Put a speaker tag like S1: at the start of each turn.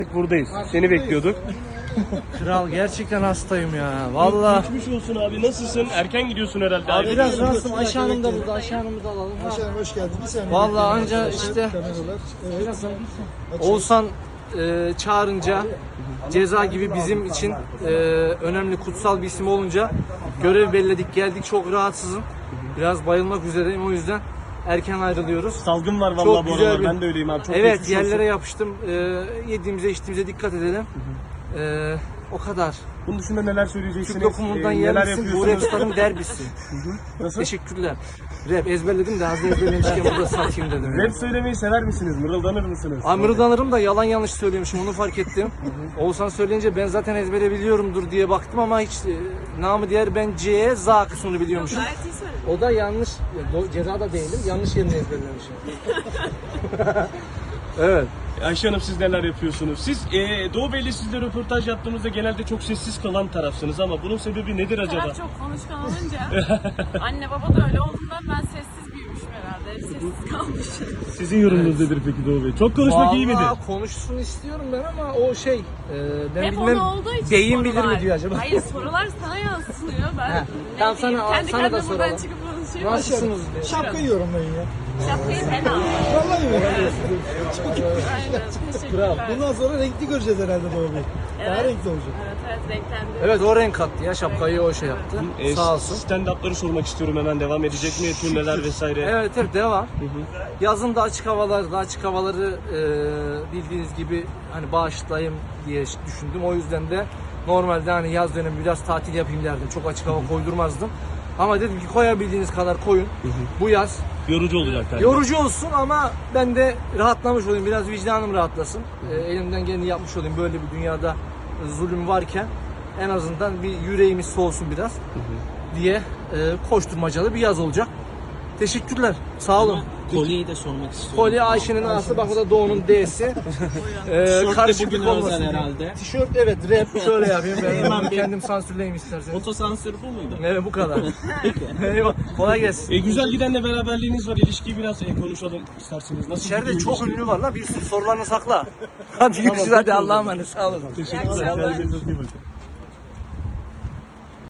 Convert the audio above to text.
S1: Buradayız. Seni bekliyorduk.
S2: Kral gerçekten hastayım ya. Vallahi.
S1: Geçmiş olsun abi. Nasılsın? Erken gidiyorsun herhalde.
S2: Abi biraz rahatsızım. Ayşe Hanım da burada. Ayşe Hanım'ı da alalım.
S3: Ayşe Hanım hoş geldin. Bir saniye.
S2: Vallahi
S3: bekleyin
S2: anca
S3: arkadaşlar.
S2: işte
S3: Kameralar. Evet.
S2: Oğuzhan çağırınca Ceza gibi bizim için önemli, kutsal bir isim olunca görev belirledik, geldik. Çok rahatsızım. Biraz bayılmak üzereyim, o yüzden erken ayrılıyoruz.
S1: Salgın var vallahi
S2: Çok
S1: bu
S2: güzel
S1: aralar.
S2: bir-
S1: Ben de öyleyim abi. Çok
S2: Evet,
S1: geçmiş olsun.
S2: yerlere yapıştım. Yediğimize içtiğimize dikkat edelim. O kadar.
S1: Bunun dışında neler söyleyeceksiniz?
S2: Türk lokumundan
S1: Neler
S2: yerlisin, bu
S1: yapıyorsunuz?
S2: rapstarın derbisi.
S1: Nasıl?
S2: Teşekkürler. Rap ezberledim de az da ezberlemişken burada satayım dedim.
S1: Rap söylemeyi sever misiniz? Mırıldanır mısınız?
S2: Mırıldanırım da yalan yanlış söylüyormuşum, onu fark ettim. Oğuzhan söyleyince ben zaten ezbere biliyorumdur diye baktım ama hiç namı diğer ben C'ye Z kısmını biliyormuşum. O da yanlış, ceza da değilim, yanlış yerini ezberlemişim. Evet.
S1: Ayşe Hanım, siz neler yapıyorsunuz? Siz Doğu Bey'le sizle röportaj yaptığımızda genelde çok sessiz kalan tarafsınız ama bunun sebebi nedir acaba?
S4: Taraf çok konuşkan olunca anne baba da öyle olduğundan ben sessiz büyümüşüm herhalde. Hep sessiz kalmışım.
S1: Sizin yorumunuz nedir peki Doğu Bey? Çok konuşmak iyi midir?
S2: Vallahi konuşsun istiyorum ben ama o şey, ben
S4: Hep
S2: bilmem,
S4: onu olduğu için
S2: beyin bilir
S4: sorular.
S2: mi diyor acaba?
S4: Hayır, sorular sana yansıtılıyor. Ben
S2: He.
S4: ne
S2: Tamam,
S4: diyeyim,
S2: sana
S4: kendi
S2: da
S4: kendime
S2: soralım.
S4: buradan çıkıp konuşuyorum.
S2: Nasılsınız diye.
S3: Şapkayı yorumlayın ya.
S4: Şapkayı ben aldım.
S3: Vallahi mi?
S4: Aynen. Teşekkürler.
S3: Bundan sonra renkli göreceğiz herhalde Doğu Bey. Daha
S4: Evet.
S3: renkli olacak.
S4: Evet, renklendi.
S2: Evet, o renk kattı ya, şapkayı o şey yaptı. Sağ olsun.
S1: Stand-up'ları sormak istiyorum, hemen devam edecek mi? Turneler vesaire.
S2: Evet, hep devam. Yazın da açık havaları bildiğiniz gibi hani bağışlayayım diye düşündüm. O yüzden de normalde hani yaz dönemi biraz tatil yapayım derdim. Çok açık hava koydurmazdım. Ama dedim ki koyabildiğiniz kadar koyun. Bu yaz
S1: Yorucu olacak galiba.
S2: yorucu olsun ama ben de rahatlamış olayım. Biraz vicdanım rahatlasın. Elimden geleni yapmış olayım. Böyle bir dünyada zulüm varken en azından bir yüreğimiz soğusun biraz diye koşturmacalı bir yaz olacak. Teşekkürler. Sağ olun.
S5: Kolyeyi de sormak istiyorum.
S2: Kolye Ayşe'nin A'sı, bak o da Doğu'nun D'si.
S5: Tişört de
S2: Karışıklık
S5: bugün
S2: olmasın
S5: özel
S2: diye.
S5: herhalde.
S2: Tişört, evet, rap şöyle yapayım. Ben
S5: Hemen bir-
S2: kendim sansürleyeyim isterseniz.
S5: Otosansür bu muydu?
S2: Evet, bu kadar. Eyvallah. Kolay gelsin.
S1: Güzel gidenle beraberliğiniz var. İlişkiyi biraz konuşalım isterseniz. Nasıl
S2: İçeride
S1: gidiyor
S2: çok
S1: ilişki?
S2: ünlü var la, bir sürü sorularını sakla. Hadi görüşürüz, hadi Allah'a emanet, sağ olun.
S1: Teşekkürler. Kendinize çok iyi bakın.